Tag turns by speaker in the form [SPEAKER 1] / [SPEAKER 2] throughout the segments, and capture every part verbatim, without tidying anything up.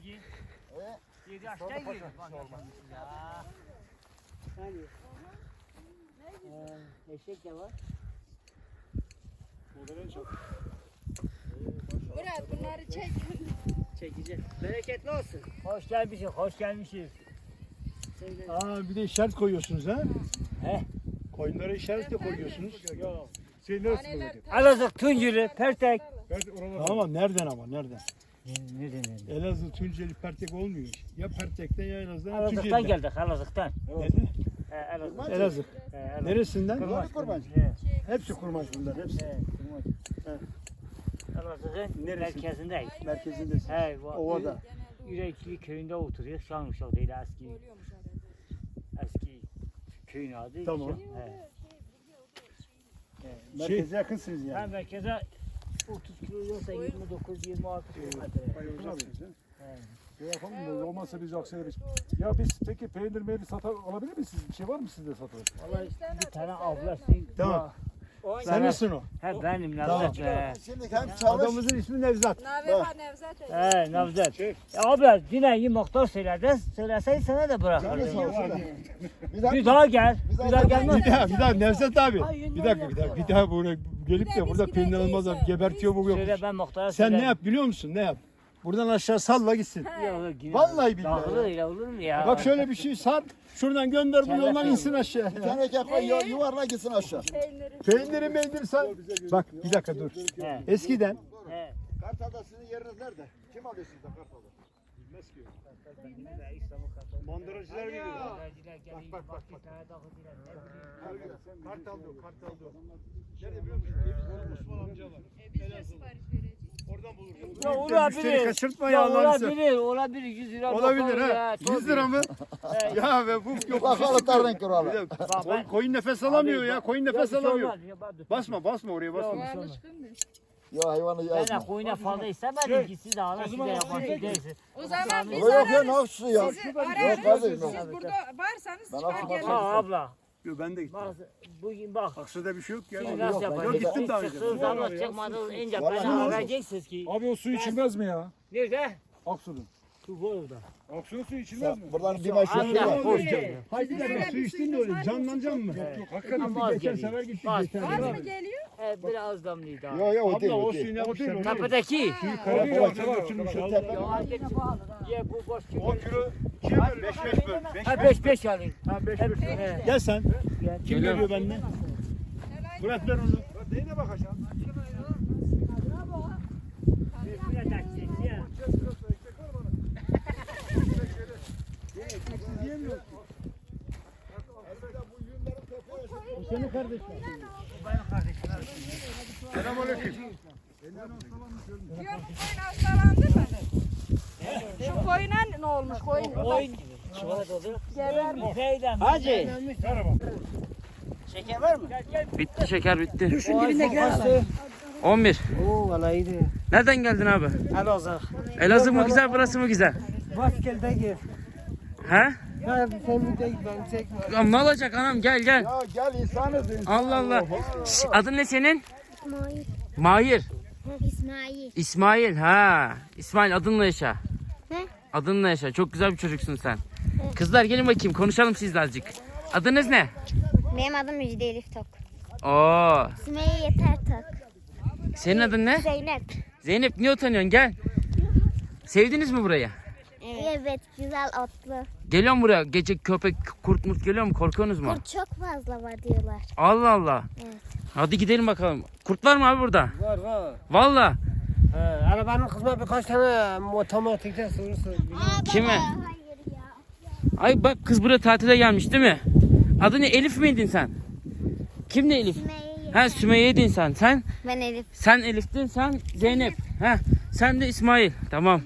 [SPEAKER 1] Bilgi. yedi yaşta gidiyor.
[SPEAKER 2] Hani? Ee, eşek de var.
[SPEAKER 3] Murat bunları çek.
[SPEAKER 2] Çekeceğim. Bereketli olsun.
[SPEAKER 1] Hoş gelmişiz, hoş gelmişiz.
[SPEAKER 2] Söyle.
[SPEAKER 4] Aa bir de işaret koyuyorsunuz ha?
[SPEAKER 1] He.
[SPEAKER 4] Koyunlara işaret de koyuyorsunuz.
[SPEAKER 1] Yok.
[SPEAKER 4] Şey neresi
[SPEAKER 1] Elazığ, Tunceli, Pertek.
[SPEAKER 4] Tamam nereden ama nereden?
[SPEAKER 1] Nereden nereden?
[SPEAKER 4] Elazığ, Tunceli, Pertek olmuyor. Ya Pertek'ten ya Elazığ'dan ya
[SPEAKER 1] Elazığ'dan
[SPEAKER 4] Tunceli'den.
[SPEAKER 1] geldik, Elazığ'dan.
[SPEAKER 4] Nereden?
[SPEAKER 1] He, Elazığ.
[SPEAKER 4] Elazığ.
[SPEAKER 1] He, Elazığ.
[SPEAKER 4] Neresinden?
[SPEAKER 1] Kurmaç.
[SPEAKER 4] Kurmaç.
[SPEAKER 1] He,
[SPEAKER 4] Hepsi kurmaç bunlar hepsi.
[SPEAKER 1] he, Kurmaç. Elazığ'ın
[SPEAKER 4] Neresi?
[SPEAKER 1] merkezindeyiz.
[SPEAKER 4] Merkezindesin.
[SPEAKER 1] He, bu-
[SPEAKER 4] Ovada.
[SPEAKER 1] Yürekli köyünde oturuyor. Şanlıurfa değil eski. Eski köyün adı.
[SPEAKER 4] Tamam.
[SPEAKER 1] He.
[SPEAKER 4] Merkeze yakınsınız
[SPEAKER 1] Ben
[SPEAKER 4] yani.
[SPEAKER 1] merkeze otuz kilo yoksa yirmi dokuz yirmi altı kilometre.
[SPEAKER 5] Şey yapalım da olmazsa biz akseleriz. Ya biz peki peynir meynir satar alabilir miyiz? Siz? Bir şey var mı sizde satılır?
[SPEAKER 1] Vallahi bir tane ablası.
[SPEAKER 4] Tamam.
[SPEAKER 1] O-
[SPEAKER 4] Sen misin o?
[SPEAKER 1] He benim
[SPEAKER 4] Tamam.
[SPEAKER 1] Nevzat be.
[SPEAKER 6] Şimdi hem çalış.
[SPEAKER 4] Adamımızın ismi Nevzat.
[SPEAKER 3] Naveha Nevzat.
[SPEAKER 1] He Nevzat. Ya abla yine iyi muhtar söyledi. Söyleseydi sana da bırakırdım.
[SPEAKER 6] Bir dakika.
[SPEAKER 1] Bir daha gel. Bir daha gelmez.
[SPEAKER 4] Bir daha, bir daha Nevzat abi. Bir dakika, bir dakika, bir daha buraya gelip de burada peynir almaz abi. Gebertiyor bu yok.
[SPEAKER 1] Söyle ben muhtara
[SPEAKER 4] Sen
[SPEAKER 1] söylerim.
[SPEAKER 4] ne yap biliyor musun? Ne yap? Buradan aşağı salla gitsin.
[SPEAKER 1] Yok, yine-
[SPEAKER 4] Vallahi billahi.
[SPEAKER 1] Dağılır öyle olur mu ya?
[SPEAKER 4] Bak şöyle bir şey sar. Şuradan gönder bunu
[SPEAKER 1] Kelle
[SPEAKER 4] yoldan
[SPEAKER 1] peyniri.
[SPEAKER 4] insin aşağı.
[SPEAKER 6] Bir tane ekmek koy yu- yuvarla gitsin aşağı.
[SPEAKER 3] Peyniri.
[SPEAKER 4] Peyniri meyniri sar. Bak bir dakika dur.
[SPEAKER 1] He.
[SPEAKER 4] Eskiden
[SPEAKER 1] He.
[SPEAKER 6] Kartal'da sizin yeriniz nerede? Kim alıyor sizden Kartal'da?
[SPEAKER 4] mandıracılar biliyor.
[SPEAKER 1] Bak bak bak.
[SPEAKER 4] Kartal diyor, kartal diyor. Nerede biliyor musun? Osman amca var.
[SPEAKER 3] Biz de sipariş vereceğiz.
[SPEAKER 4] Oradan bulursun.
[SPEAKER 1] Ya
[SPEAKER 4] Müşteri
[SPEAKER 1] olabilir.
[SPEAKER 4] kaçırtma
[SPEAKER 1] Ya
[SPEAKER 4] ya Allah'ını seversen.
[SPEAKER 1] olabilir, olabilir. yüz lira
[SPEAKER 4] Olabilir
[SPEAKER 1] bakarız
[SPEAKER 4] ha.
[SPEAKER 1] ya,
[SPEAKER 4] yüz lira mı? Ya be bu yok.
[SPEAKER 6] Bakalı tarın kralı.
[SPEAKER 4] Bir de
[SPEAKER 1] Bak
[SPEAKER 4] koyun,
[SPEAKER 1] ben-
[SPEAKER 4] koyun nefes alamıyor
[SPEAKER 1] Abi,
[SPEAKER 4] ya.
[SPEAKER 1] bak-
[SPEAKER 4] Koyun
[SPEAKER 1] Ya
[SPEAKER 4] nefes
[SPEAKER 1] bir şey
[SPEAKER 4] alamıyor.
[SPEAKER 1] olmaz, ya bak dur.
[SPEAKER 4] Basma basma oraya basma.
[SPEAKER 1] Ya,
[SPEAKER 3] Alışkın mı?
[SPEAKER 6] Ya hayvanı
[SPEAKER 1] Ben de
[SPEAKER 6] yazma.
[SPEAKER 1] koyuna fazla istemedim ki siz de alın siz de yabancı değilsiniz.
[SPEAKER 3] O zaman biz
[SPEAKER 6] Yok yok ya
[SPEAKER 3] ararız.
[SPEAKER 6] ne yapsın ya?
[SPEAKER 3] Sizi
[SPEAKER 6] Yok
[SPEAKER 3] ararız.
[SPEAKER 6] kardeşim.
[SPEAKER 3] Siz burada varsanız
[SPEAKER 6] Ben
[SPEAKER 3] çıkar
[SPEAKER 6] aklıma
[SPEAKER 3] geliriz.
[SPEAKER 1] Ha abla.
[SPEAKER 4] Yok ben de gittim.
[SPEAKER 1] Bak bugün bak.
[SPEAKER 4] Aksa'da bir şey yok ya.
[SPEAKER 1] Siz
[SPEAKER 6] yok,
[SPEAKER 1] nasıl
[SPEAKER 6] ben-
[SPEAKER 1] yapacaksınız?
[SPEAKER 4] Yok, gittim daha önce.
[SPEAKER 1] Çıktığınız zaman çıkmadınız ince
[SPEAKER 6] Vallahi
[SPEAKER 1] beni
[SPEAKER 6] olmaz.
[SPEAKER 1] arayacaksınız ki.
[SPEAKER 5] Abi o su içilmez mi ya?
[SPEAKER 1] Nerede?
[SPEAKER 5] Aksu'nun.
[SPEAKER 1] Su bu orada.
[SPEAKER 5] Aksu'nun suyu içilmez mi?
[SPEAKER 6] Buradan bir maç yok.
[SPEAKER 1] Amca
[SPEAKER 6] var.
[SPEAKER 1] hoş geldin.
[SPEAKER 4] Haydi bir dakika su içtin de öyle canlanacaksın mı?
[SPEAKER 5] Yok hakikaten.
[SPEAKER 1] Ama az
[SPEAKER 4] Geçen
[SPEAKER 1] geliyor.
[SPEAKER 4] sefer gittik.
[SPEAKER 1] Az.
[SPEAKER 4] geçen
[SPEAKER 3] Az
[SPEAKER 4] sefer.
[SPEAKER 3] mı geliyor?
[SPEAKER 1] Evet biraz damlıydı abi.
[SPEAKER 6] Yok yok o değil
[SPEAKER 4] Abla o
[SPEAKER 6] o değil.
[SPEAKER 4] suyu ne yapmışlar?
[SPEAKER 1] Tepedeki.
[SPEAKER 4] Kara
[SPEAKER 5] Yok,
[SPEAKER 4] poğaça
[SPEAKER 5] yok,
[SPEAKER 4] götürmüş.
[SPEAKER 5] yok,
[SPEAKER 1] Ya hareket. Ye bu boş kilo.
[SPEAKER 4] on kilo kim böl? beş beş böl. beş
[SPEAKER 1] Ha beş beş alayım.
[SPEAKER 4] Ha beş
[SPEAKER 1] Hep-
[SPEAKER 4] beş böl.
[SPEAKER 1] He.
[SPEAKER 4] Gel sen.
[SPEAKER 1] Gel.
[SPEAKER 4] Kim geliyor benden? Murat ver onu.
[SPEAKER 5] Neyine bakacaksın?
[SPEAKER 4] Bu senin kardeşin. Selamünaleyküm.
[SPEAKER 3] Diyor bu koyun hastalandı mı? Şu koyuna ne olmuş koyun?
[SPEAKER 1] Oyun. Çikolata oldu.
[SPEAKER 3] Geber mi?
[SPEAKER 1] Neyden?
[SPEAKER 2] Hacı.
[SPEAKER 1] Şeker var mı? Gel gel.
[SPEAKER 7] Bitti şeker bitti.
[SPEAKER 2] Düşün dibindekiler alalım.
[SPEAKER 7] on bir.
[SPEAKER 2] Oo valla iyiydi.
[SPEAKER 7] Nereden geldin abi?
[SPEAKER 2] Elazığ.
[SPEAKER 7] Elazığ mı güzel burası mı güzel?
[SPEAKER 2] Başkel'de gir.
[SPEAKER 7] He?
[SPEAKER 2] Ya sen bir tek ben çekme.
[SPEAKER 7] Ya ne olacak anam gel gel.
[SPEAKER 6] Ya gel insanız insan.
[SPEAKER 7] Allah Allah. Şş, adın ne senin?
[SPEAKER 8] İsmail.
[SPEAKER 7] Mahir.
[SPEAKER 8] İsmail.
[SPEAKER 7] İsmail ha. İsmail adınla yaşa.
[SPEAKER 8] He?
[SPEAKER 7] Adınla yaşa. Çok güzel bir çocuksun sen. Kızlar gelin bakayım konuşalım sizle azıcık. Adınız ne?
[SPEAKER 8] Benim adım Müjde Elif Tok.
[SPEAKER 7] Oo.
[SPEAKER 8] Sümeyye Yeter Tok.
[SPEAKER 7] Senin adın ne?
[SPEAKER 8] Zeynep.
[SPEAKER 7] Zeynep niye utanıyorsun gel. Sevdiniz mi burayı?
[SPEAKER 8] Evet. Evet, güzel otlu.
[SPEAKER 7] Geliyor mu buraya? Gece köpek kurt murt geliyor mu? Korkuyorsunuz mu?
[SPEAKER 8] Kurt çok fazla var diyorlar.
[SPEAKER 7] Allah Allah.
[SPEAKER 8] Evet.
[SPEAKER 7] Hadi gidelim bakalım. Kurt var mı abi burada?
[SPEAKER 2] Var var.
[SPEAKER 7] Valla.
[SPEAKER 2] He, arabanın kızma birkaç tane otomatikte sorusu.
[SPEAKER 7] Kime?
[SPEAKER 8] Hayır ya.
[SPEAKER 7] Ay bak kız buraya tatile gelmiş değil mi? Adı ne? Elif miydin sen? Kim ne Elif?
[SPEAKER 8] Sümeyye Yeter.
[SPEAKER 7] Ha Sümeyye'ydin sen. Sen
[SPEAKER 8] Ben Elif.
[SPEAKER 7] sen Elif'tin, sen Zeynep. Ha sen de İsmail. Tamam.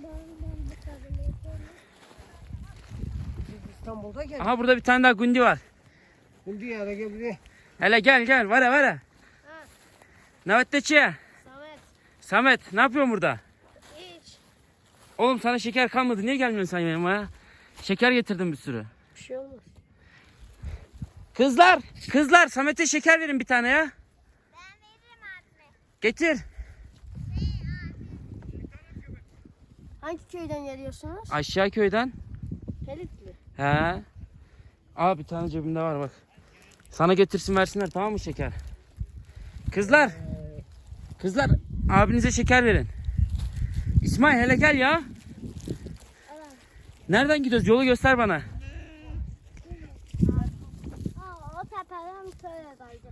[SPEAKER 2] İstanbul'da gel.
[SPEAKER 7] Aha burada bir tane daha Gundi var.
[SPEAKER 2] Şimdi ya da gel buraya.
[SPEAKER 7] Hele gel gel. Vara vara. Navetteçi.
[SPEAKER 8] Samet.
[SPEAKER 7] Samet ne yapıyorsun burada?
[SPEAKER 8] Hiç.
[SPEAKER 7] Oğlum sana şeker kalmadı. Niye gelmiyorsun sen yanıma ya? Şeker getirdim bir sürü.
[SPEAKER 2] Bir şey olmaz.
[SPEAKER 7] Kızlar, kızlar Samet'e şeker verin bir tane ya.
[SPEAKER 8] Ben veririm abi.
[SPEAKER 7] Getir.
[SPEAKER 8] Hani Hangi köyden geliyorsunuz?
[SPEAKER 7] Aşağı köyden.
[SPEAKER 8] Pelitli.
[SPEAKER 7] He. Aa bir tane cebimde var bak. Sana getirsin versinler tamam mı şeker? Kızlar. Kızlar abinize şeker verin. İsmail hele gel ya. Nereden gidiyoruz? Yolu göster bana.
[SPEAKER 8] Aa, o tepeden şöyle kaydı.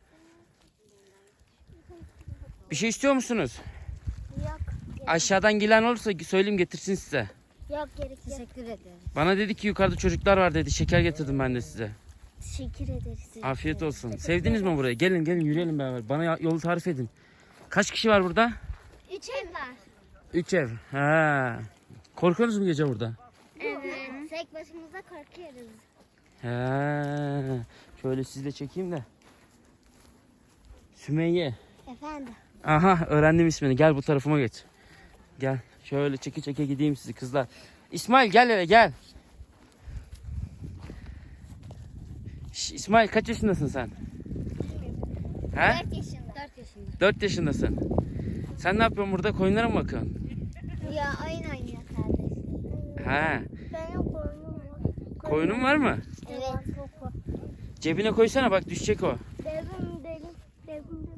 [SPEAKER 7] Bir şey istiyor musunuz?
[SPEAKER 8] Yok.
[SPEAKER 7] Aşağıdan gelen olursa söyleyeyim getirsin size.
[SPEAKER 8] Yok gerek yok. Teşekkür ederim.
[SPEAKER 7] Bana dedi ki yukarıda çocuklar var dedi. Şeker getirdim ben de size.
[SPEAKER 8] Teşekkür ederiz.
[SPEAKER 7] Afiyet olsun. Sevdiniz mi burayı? Gelin gelin yürüyelim beraber. Bana ya- yolu tarif edin. Kaç kişi var burada?
[SPEAKER 8] Üç ev var.
[SPEAKER 7] Üç ev. Ha. Korkuyorsunuz mu gece burada?
[SPEAKER 8] Evet. Tek başımıza korkuyoruz.
[SPEAKER 7] He. Şöyle sizi de çekeyim de. Sümeyye.
[SPEAKER 8] Efendim.
[SPEAKER 7] Aha öğrendim ismini. Gel bu tarafıma geç. Gel. Şöyle çeke çeke gideyim sizi kızlar. İsmail gel hele gel. Şş, İsmail kaç yaşındasın sen? He?
[SPEAKER 8] Dört yaşında. Dört yaşında.
[SPEAKER 7] Dört yaşındasın. Sen ne yapıyorsun burada? Koyunlara mı bakıyorsun?
[SPEAKER 8] Ya oyun oynuyor kardeşim.
[SPEAKER 7] He.
[SPEAKER 8] Benim koyunum var.
[SPEAKER 7] Koyunun var mı?
[SPEAKER 8] Evet.
[SPEAKER 7] Cebine koysana bak düşecek o.
[SPEAKER 8] Devim devim devim.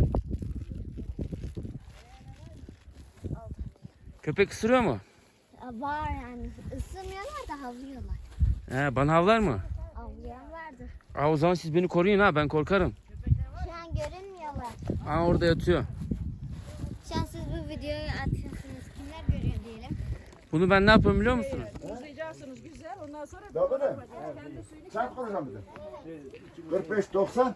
[SPEAKER 7] Köpek ısırıyor mu?
[SPEAKER 8] Var yani. Isırmıyorlar da havlıyorlar.
[SPEAKER 7] He, bana havlar mı?
[SPEAKER 8] Havlayan vardır.
[SPEAKER 7] Aa, o zaman siz beni koruyun ha ben korkarım.
[SPEAKER 8] Şu an görünmüyorlar.
[SPEAKER 7] Aa orada yatıyor.
[SPEAKER 8] Şu an siz bu videoyu atıyorsunuz. Kimler görüyor diyelim.
[SPEAKER 7] Bunu ben ne yapıyorum biliyor musunuz?
[SPEAKER 3] Uzlayacaksınız güzel. Ondan sonra
[SPEAKER 6] Doğru mu? Sen konuşalım bize. kırk beş doksan.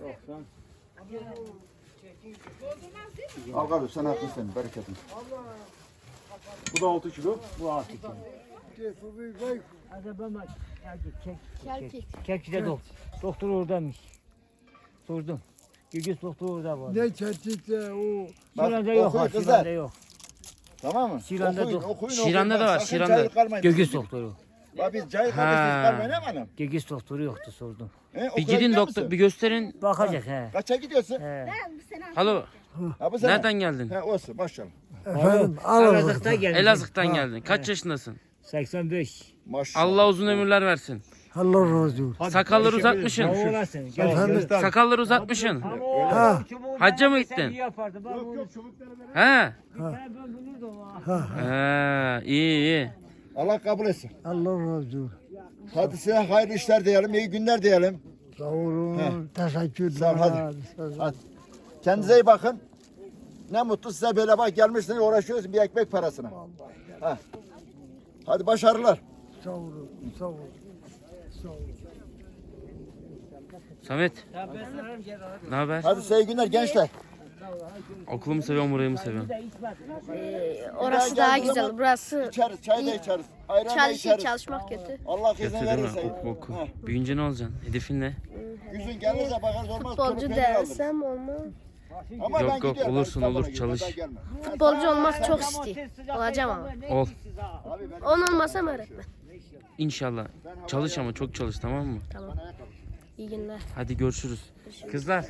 [SPEAKER 6] Al kardeş sen haklısın. Bereketin.
[SPEAKER 5] Bu da altı kilo.
[SPEAKER 1] Bu altı kilo. Hadi ben bak. Hadi çek. Çek. Çek de doktor. Doktor oradaymış. Sordum. Gügüs doktor orada var.
[SPEAKER 6] Ne çetikte o.
[SPEAKER 1] Şiranda yok ha.
[SPEAKER 6] okuyun
[SPEAKER 1] Şiranda
[SPEAKER 6] kızlar.
[SPEAKER 1] yok.
[SPEAKER 6] Tamam mı?
[SPEAKER 1] Şiranda
[SPEAKER 6] okuyun,
[SPEAKER 1] dur.
[SPEAKER 6] okuyun,
[SPEAKER 7] Şiranda
[SPEAKER 6] okuyun.
[SPEAKER 7] da
[SPEAKER 6] Bak,
[SPEAKER 7] var,
[SPEAKER 6] sakın
[SPEAKER 7] Şiranda.
[SPEAKER 6] cahil kalmayın.
[SPEAKER 1] Gögüs doktoru.
[SPEAKER 6] Bak biz cahil
[SPEAKER 7] Ha.
[SPEAKER 6] kardeşiz kalmayın he mi hanım?
[SPEAKER 1] Gügüs doktoru yoktu sordum.
[SPEAKER 6] He,
[SPEAKER 7] Bir
[SPEAKER 6] okula
[SPEAKER 7] gidin
[SPEAKER 6] gidiyor
[SPEAKER 7] doktor
[SPEAKER 6] musun?
[SPEAKER 7] bir gösterin.
[SPEAKER 1] Bakacak he.
[SPEAKER 6] Kaça gidiyorsun?
[SPEAKER 1] He.
[SPEAKER 7] Alo
[SPEAKER 6] Ha bu sene.
[SPEAKER 7] nereden geldin?
[SPEAKER 6] He olsun maşallah.
[SPEAKER 1] Efendim Elazığ'da gelmiş.
[SPEAKER 7] Elazığ'tan geldin. Kaç yaşındasın?
[SPEAKER 1] seksen beş.
[SPEAKER 6] Maşallah.
[SPEAKER 7] Allah uzun ömürler versin.
[SPEAKER 9] Allah razı olsun.
[SPEAKER 7] Sakalları uzatmışsın.
[SPEAKER 1] Sağ olasın. Gel.
[SPEAKER 9] Efendim?
[SPEAKER 7] Sakalları uzatmışsın.
[SPEAKER 1] Ama o
[SPEAKER 9] Ha.
[SPEAKER 1] çubuğu
[SPEAKER 7] Hacca mı
[SPEAKER 1] ben
[SPEAKER 7] gittin?
[SPEAKER 1] iyi yapardı. Ben bunu-
[SPEAKER 7] He.
[SPEAKER 1] Ben bulurdum ha.
[SPEAKER 7] He iyi iyi.
[SPEAKER 6] Allah kabul etsin.
[SPEAKER 9] Allah razı olsun.
[SPEAKER 6] Hadi size hayırlı işler diyelim, iyi günler diyelim.
[SPEAKER 9] Sağ olun. Teşekkürler.
[SPEAKER 6] Sağ ol, hadi. Hadi. Kendinize iyi bakın. Ne mutlu size böyle bak gelmişsiniz uğraşıyoruz bir ekmek parasına. Ha. Hadi başarılar.
[SPEAKER 9] Sağ olun. Sağ olun. Sağ olun.
[SPEAKER 7] Samet ne haber?
[SPEAKER 6] Hadi size iyi günler gençler.
[SPEAKER 7] Okulumu seviyorum burayı mı seviyorum?
[SPEAKER 6] Orası daha güzel.
[SPEAKER 3] burası
[SPEAKER 6] İçeriz, çay da içeriz. Ayran da içeriz.
[SPEAKER 3] çalışmak kötü.
[SPEAKER 6] Allah
[SPEAKER 7] Kötü
[SPEAKER 6] izin
[SPEAKER 7] değil mi?
[SPEAKER 6] verirse.
[SPEAKER 7] Oku oku.
[SPEAKER 6] Ha.
[SPEAKER 7] Büyüyünce ne olacaksın? Hedefin ne?
[SPEAKER 6] Yüzün gelirse bakarız olmaz.
[SPEAKER 3] Futbolcu
[SPEAKER 6] çoluk peynir alırız.
[SPEAKER 3] dersem olmaz.
[SPEAKER 6] Ama
[SPEAKER 7] Yok,
[SPEAKER 6] ben
[SPEAKER 7] yok,
[SPEAKER 6] gidiyorum,
[SPEAKER 7] olursun,
[SPEAKER 6] ben
[SPEAKER 7] olur,
[SPEAKER 6] İstanbul'a
[SPEAKER 7] çalış.
[SPEAKER 6] gidiyorum, ben gelmem.
[SPEAKER 3] Futbolcu olmak çok istiyor. Olacağım ama.
[SPEAKER 7] Ol.
[SPEAKER 3] On olmasam öğretmen.
[SPEAKER 7] İnşallah. Çalış ama çok çalış tamam mı?
[SPEAKER 3] İyi günler.
[SPEAKER 7] Hadi görüşürüz. Kızlar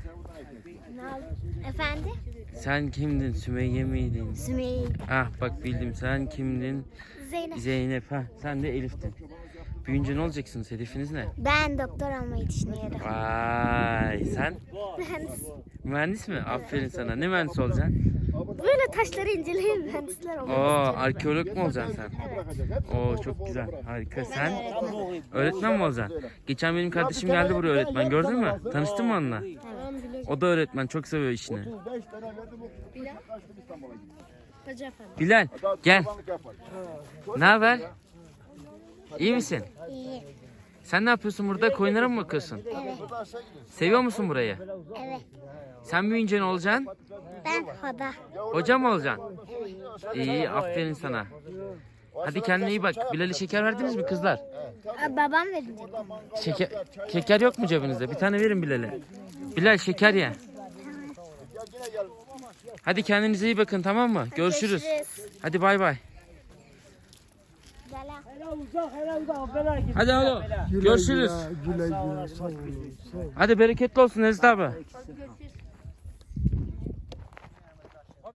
[SPEAKER 8] Efendim?
[SPEAKER 7] sen kimdin? Sümeyye miydin?
[SPEAKER 8] Sümeyye.
[SPEAKER 7] Ah bak bildim sen kimdin?
[SPEAKER 8] Zeynep.
[SPEAKER 7] Zeynep ha. Sen de Elif'tin. Büyünce ne olacaksınız? Hedefiniz ne?
[SPEAKER 8] Ben doktor olmayı düşünüyorum.
[SPEAKER 7] Vay sen
[SPEAKER 8] Mühendis.
[SPEAKER 7] mühendis mi? Aferin sana. Ne mühendis olacaksın?
[SPEAKER 8] Böyle taşları inceleyen mühendisler
[SPEAKER 7] Oo
[SPEAKER 8] olmak
[SPEAKER 7] arkeolog mu olacaksın sen? Oo çok güzel. Harika. Sen öğretmen mi olacaksın? Geçen benim kardeşim geldi buraya öğretmen. Gördün mü? Tanıştın mı onunla? O da öğretmen. Çok seviyor işini.
[SPEAKER 6] otuz beş tane verdim o kaçtım İstanbul'a gittim.
[SPEAKER 7] Bilal gel.
[SPEAKER 6] Kurbanlık yapar.
[SPEAKER 7] Ne haber? İyi misin?
[SPEAKER 8] İyi.
[SPEAKER 7] Sen ne yapıyorsun burada? Koyunlara mı bakıyorsun?
[SPEAKER 8] Evet.
[SPEAKER 7] Seviyor musun burayı?
[SPEAKER 8] Evet.
[SPEAKER 7] Sen büyüyünce ne olacaksın?
[SPEAKER 8] Ben Hoda.
[SPEAKER 7] Hoca mı olacaksın? İyi aferin sana. Hadi kendine iyi bak. Bilal'e şeker verdiniz mi kızlar?
[SPEAKER 8] Babam verecek.
[SPEAKER 7] Şeker, şeker yok mu cebinizde? Bir tane verin Bilal'e. Bilal şeker ye. Hadi kendinize iyi bakın tamam mı? Görüşürüz. Hadi bay bay.
[SPEAKER 1] Hele uzak hele uzak. Bela git.
[SPEAKER 7] Hadi alo.
[SPEAKER 9] Güle
[SPEAKER 7] Görüşürüz.
[SPEAKER 9] Güle güle. Güle güle. Sağ olun. Sağ olun.
[SPEAKER 7] Hadi bereketli olsun Ezdi abi.